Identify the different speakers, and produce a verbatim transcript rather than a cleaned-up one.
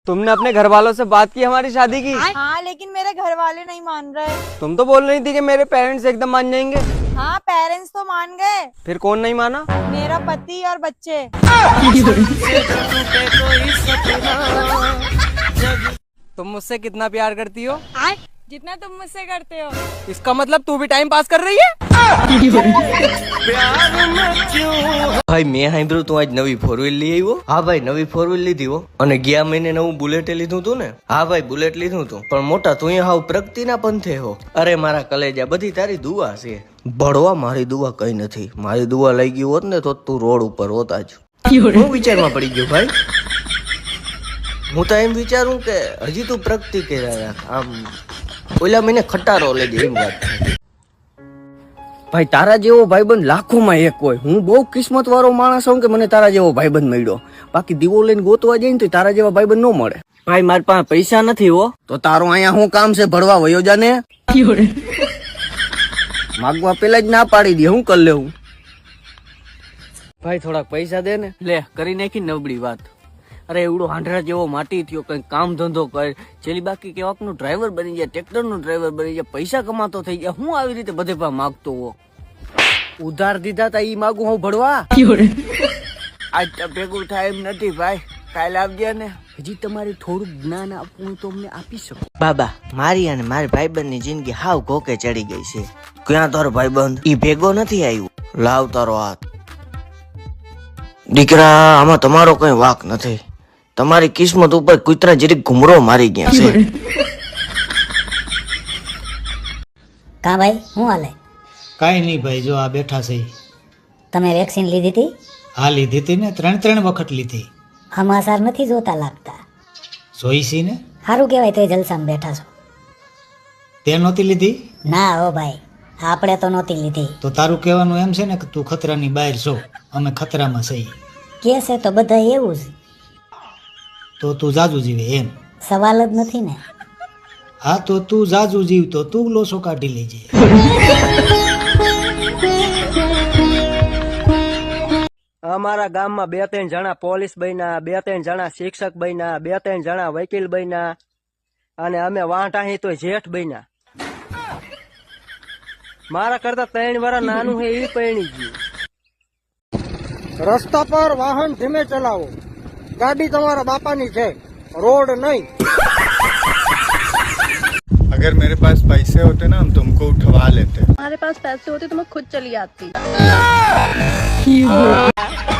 Speaker 1: तुमने अपने घर वालों से बात की हमारी शादी की?
Speaker 2: हाँ लेकिन मेरे घर वाले नहीं मान रहे।
Speaker 1: तुम तो बोल रही थी कि मेरे पेरेंट्स एकदम मान जाएंगे।
Speaker 2: हाँ पेरेंट्स तो मान गए।
Speaker 1: फिर कौन नहीं माना?
Speaker 2: मेरा पति और बच्चे।
Speaker 1: तुम मुझसे कितना प्यार करती हो?
Speaker 2: जितना तुम मुझसे करते हो।
Speaker 1: इसका मतलब तू भी टाइम पास कर रही है?
Speaker 3: ભાઈ મેં સાંભળ્યું તું આજ નવી ફોર વ્હીલ લઈ આવ્યો. હા ભાઈ નવી ફોર વ્હીલ લીધી હો. અને ગયા મહિને નવું બુલેટ લીધું તું ને? હા ભાઈ બુલેટ લીધું તું. પણ મોટા તું હાવ પ્રગતિના પંથે હો. અરે મારા કલેજા બધી તારી દુઆ છે. ભણવા મારી દુઆ કઈ નથી. મારી દુઆ લઈ ગઈ હોત ને તો તું રોડ ઉપર હોત આજ. હું વિચારમાં પડી ગયો ભાઈ. હું તો એમ વિચારું કે હજી તું પ્રગતિ કર્યા આમ ઓલા મહિને ખટારો લઈ દે એમ વાત. ભાઈ તારા જેવો ભાઈબંધ લાખોમાં એક હોય. હું બહુ કિસ્મત વાળો માણસ હોઉં કે મને તારા જેવો ભાઈબંધ મળ્યો. બાકી દીવો લઈને ગોતવા જાય ને તો તારા જેવા ભાઈબંધ ન મળે. ભાઈ મારી પાસે પૈસા નથી હો. તો તારું અહીંયા શું કામ છે? ભણવા વયો જાને. માગવા પેલા જ ના પાડી દે. હું કરી લેવું? ભાઈ થોડાક પૈસા દે ને. લે કરી નાખી નબળી વાત. અરે એવડો હાંડરા જેવો માટી થયો, કઈ કામ ધંધો કર. છેલ્લી બાકી કેવાક નું ડ્રાઈવર બની જાય, ટ્રેક્ટર નું ડ્રાઈવર બની જાય, પૈસા કમાતો થઈ ગયા. હું આવી રીતે બધે પા માગતો હો. ઉધાર દીધા તા ઈ માગું હું ભરવા? આજ તો ભેગું થાય એમ નથી ભાઈ. કાલે આવજે ને. હજી તમારે થોડુંક જ્ઞાન આપવું તો અમને આપી શકો. બાબા મારી અને મારી ભાઈબંધ ની જિંદગી હાવ કોકે ચડી ગઈ છે. ક્યાં તારો ભાઈબંધ? ઈ ભેગો નથી આવ્યો. લાવ તારો હાથ. દીકરા આમાં તમારો કઈ વાક નથી. તમારી કિસ્મત ઉપર કૂતરા જરીક ઘુમરો મારી ગયા છે.
Speaker 4: કા ભાઈ શું હાલે?
Speaker 5: કાંઈ નહીં ભાઈ, જો આ બેઠા છે.
Speaker 4: તમે વેક્સિન લીધી હતી?
Speaker 5: હા લીધી હતી ને, ત્રણ ત્રણ વખત લીધી.
Speaker 4: સમાચાર નથી જોતા લાગતા.
Speaker 5: જોઈ છી ને.
Speaker 4: સારું કહેવાય તો જલસામાં બેઠા છો.
Speaker 5: તે નહોતી લીધી?
Speaker 4: ના હો ભાઈ, આપણે તો નહોતી લીધી.
Speaker 5: તો તારું કહેવાનું એમ છે ને કે તું ખતરાની બહાર છો, અમે ખતરામાં છીએ.
Speaker 4: કે છે તો બધા એવું જ.
Speaker 5: તો તું જાજુ જીવે એમ?
Speaker 4: સવાલ જ નથી ને.
Speaker 5: હા તો તું જાજુ જીવ તો તું લોસો કાઢી લેજે.
Speaker 3: અમારા ગામમાં બે ત્રણ જણા પોલીસ બન્યા, બે ત્રણ જણા શિક્ષક બન્યા, બે ત્રણ જણા વકીલ બન્યા અને અમે વાંટા તો જેઠ બન્યા. મારા કરતા ત્રણ વર્ષ નાનું છે એ પરણી ગયું.
Speaker 1: રસ્તા પર વાહન ધીમે ચલાવો. ગાડી તમારા બાપાની છે, रोड नहीं।
Speaker 6: अगर मेरे पास पैसे होते ना हम तुमको उठवा लेते।
Speaker 2: हमारे पास पैसे होते तो मैं खुद चली आती।